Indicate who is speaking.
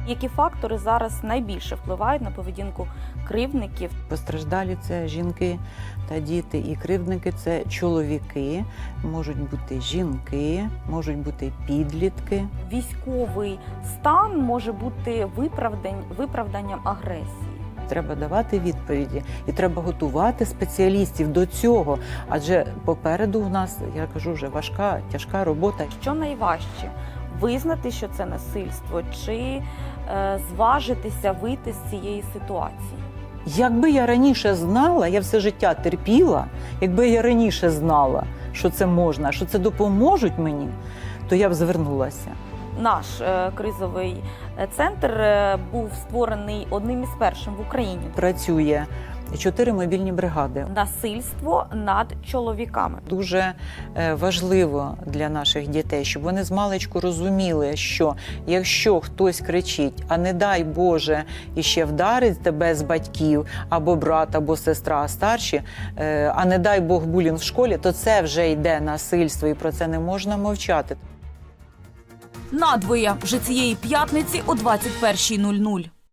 Speaker 1: Які фактори зараз найбільше впливають на поведінку кривдників?
Speaker 2: Постраждалі – це жінки та діти, і кривдники – це чоловіки, можуть бути жінки, можуть бути підлітки.
Speaker 1: Військовий стан може бути виправданням агресії.
Speaker 2: Треба давати відповіді і треба готувати спеціалістів до цього, адже попереду в нас, я кажу, вже важка, тяжка робота.
Speaker 1: Що найважче? Визнати, що це насильство, чи зважитися вийти з цієї ситуації?
Speaker 2: Якби я раніше знала, я все життя терпіла, якби я раніше знала, що це можна, що це допоможуть мені, то я б звернулася.
Speaker 1: Наш кризовий центр був створений одним із перших в Україні.
Speaker 2: Працює 4 мобільні бригади.
Speaker 1: Насильство над чоловіками.
Speaker 2: Дуже важливо для наших дітей, щоб вони змалечку розуміли, що якщо хтось кричить, а не дай Боже, іще вдарить тебе з батьків, або брат, або сестра старші, а не дай Бог булінг в школі, то це вже йде насильство, і про це не можна мовчати.
Speaker 3: Надвоє вже цієї п'ятниці о 21:00.